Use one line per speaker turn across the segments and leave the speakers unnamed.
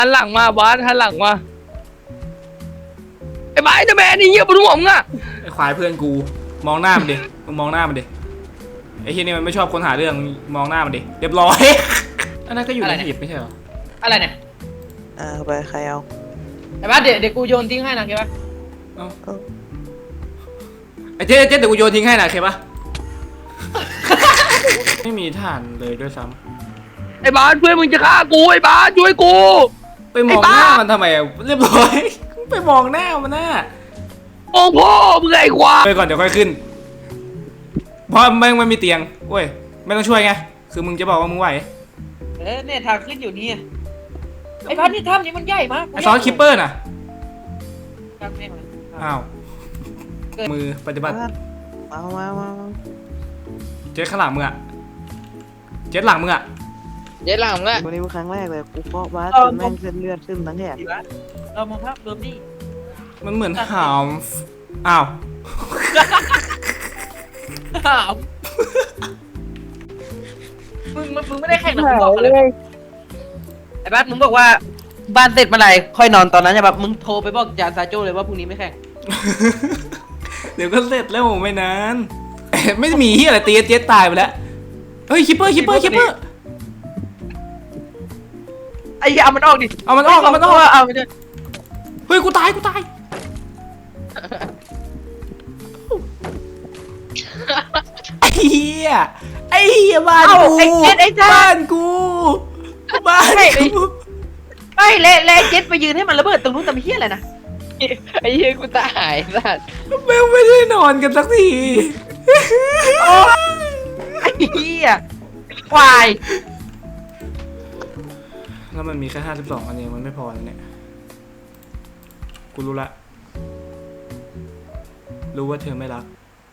หันหลังมาบาสหันหลังมาไอ้บาสจะแม่นี่เหี้ยบนหัวมึงอะ
ไอ้ควายเพื่อนกูมองหน้ามันดิมึงมองหน้ามันดิไอ้เฮียนี่มันไม่ชอบคนหาเรื่องมองหน้ามันดิเรียบร้อยอันนั้นก็อยู่ในหีบไม่ใช่เหรอ
อะไรเนี่ย
ไปใครเอา
ไอ้บ้าเดี๋ยวกูโยนทิ้งให้นะเข้าปะ
ไอ้เจ๊เดี๋ยวกูโยนทิ้งให้นะโอเคปะ ไม่มีฐานเลยด้วยซ้
ไอ้บาสเพื่อนมึงจะฆ่ากูไอ้บาสช่วยกู
ำไปมองหน้ามันทำไมอะเรียบร้อยไปมองหน้ามันน่ะ
โอ้พ่อมึงไอ้ควาย
ไปก่อนเดี๋ยวค่อยขึ้นเพราะแม่งไม่มีเตียงเว้ยไม่ต้องช่วยไงคือมึงจะบอกว่ามึงไหว
เนี่ยทางขึ้นอยู่นี่ไอ้บ้านี่ถ้ำนี้มันใหญ่มาก
ไอ้ซอสคิปเปอร์น่ะ
ทางนี้มัน
อ้าวมือปฏิบัติ
มา
เจ๊ข้างหลังมึงอะเจ๊หลังมึงอะ
เย็ดหลังมึงอะ
วันนี้เป็นครั้งแรกเลยกูเคาะบ้าจนแม่งเส้นเลือดขึ้นทั้งแถบ
เรามองภาพรวมดิ
มันเหมือนหามอ้าว
มึงไม่ได้แข่งนะมึงบอกกันเลยไอ้บ้ามึงบอกว่าบ้านเสร็จเมื่อไหร่ค่อยนอนตอนนั้นใช่ปะมึงโทรไปบอกจานซาโจ้เลยว่าพรุ่งนี้ไม่แข่ง
เดี๋ยวก็เสร็จแล้วไม่นานไม่มีเฮียอะไรตีเจ๊ตายไปแล้วเฮ้ยคิปเปอร์
ไอ้เหี้ยเอามันออกดิ
เอามันออก
เอามันดิ
เฮ้ยกูตายไอ้เหี้ยบ้านกูบ้านกู
ไม่เละเจ็ดไปยืนให้มันระเบิดตรงนู้นแต่ไม่เหี้ยอะไรนะ
ไอ้เหี้ยกูตายสัตว์
ไม่ได้นอนกันสักที
ไอ้เหี้ยควาย
แล้วมันมีแค่52อันเองมันไม่พอแล้วเนี่ยกูรู้ละรู้ว่าเธอไม่รัก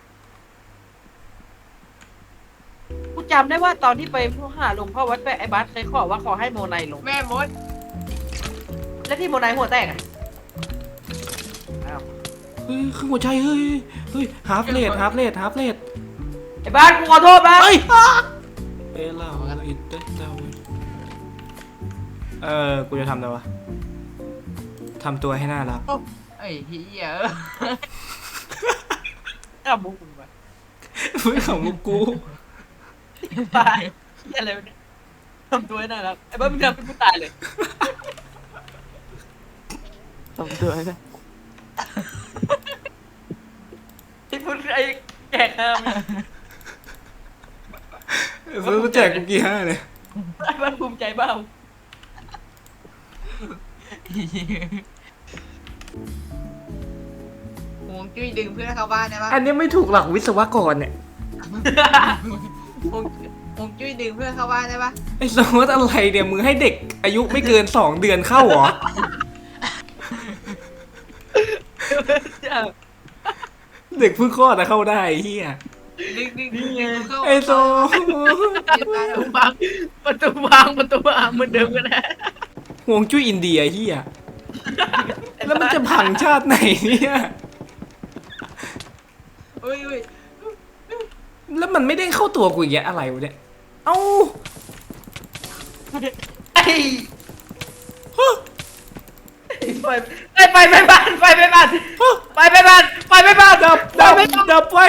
กูจำได้ว่าตอนที่ไปหาหลวงพ่อวัดไปไอ้บัสเคยขอว่าขอให้โมไนลงแม่มดแล้วที่โมไนหัวแตกอ่ะ
เฮ้ยคือหัวใจเฮ้ยฮาร์ฟเลด
ไอ้บัสกูขอโทษบัส
เฮ้ยเอล่าอินเตอร์กูจะทำอะไรวะทำตัวให้น่ารัก
ไอ้เหี้ยบุกมึงไป
ไม่ของมุกกู
ตายเหี้ยอะไรวะเนี่ยทำตัวให้น่ารักไอ้บัสมึงทำเป็นกูตายเลย
ทำตัวนะ
ไอ้พูดไอ้แก่ข้าม
ซื้อมาแจกกูกี่5เลย
ไอ้บัสภูมิใจเปล่า
หวงจุ้ยดึงเพื่อนเข้าบ้านได้ปะ
อันนี้ไม่ถูกหลักวิศวกรเนี่ย
หวงจุ้ยดึงเพื่อนเข้าบ้านได้ปะ
ไอ้สมมติอะไรเนี่ยมึงให้เด็กอายุไม่เกิน2 เดือนเข้าเหรอเด็กเพิ่งคลอดนะเข้าได้เฮีย
ดึงเข้า
ไอ้โซ
ประตูวางเหมือนเดิมกันนะ
ห่วงจุ้ยอินเดียเฮียแล้วมันจะพังชาติไหนเนี่ย
เฮ้ย
แล้วมันไม่ได้เข้าตัวกูอย่างเงี้ยอะไรวะเนี่ยเอ้า
ไอ้ไปบ้านไปบ้าน
ดับไฟดับไฟ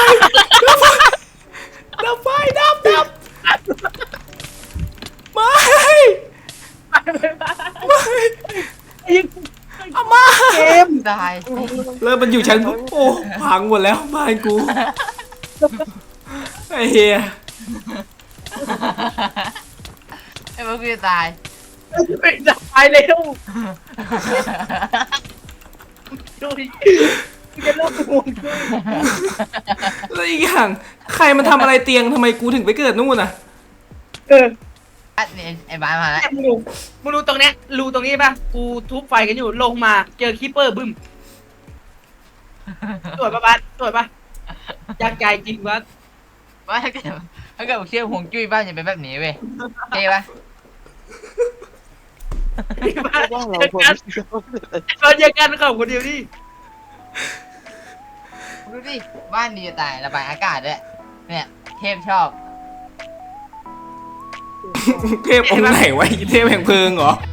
ไม่เอามา
เกม
ตาย
แล้วมันอยู่ชั้นโอ้พังหมดแล้วบ้านกูไอ้เฮีย
ไอ้พวกกูจะตาย
จะตายเร็วดูดิจะเลิกห่วงด้วย
แล้วอีกอย่างใครมันทำอะไรเตียงทำไมกูถึงไปเกิดนู่นน่ะ
ไอ้บ้านมาแล้ว
มึงดูตรงเนี้ยรูตรงนี้ป่ะกูทุบไฟกันอยู่ลงมาเจอคีเปอร์บึ้มสวยป่ะบ้านสวยป่ะอยากใจจริงบ้าน
ว่าถ้าเกิดเชื่อหวงจุ้ยบ้านจะเป็นแบบนี้เว้ยเท่ปะ
ว่าเราคน
เราเจอกันของคนเดียวนี่
ดูดิบ้านดีจะตายระบายอากาศด้วยเนี่ยเทพชอบ
เทพองค์ไหนวะเทพแห่งเพลิงเหรอ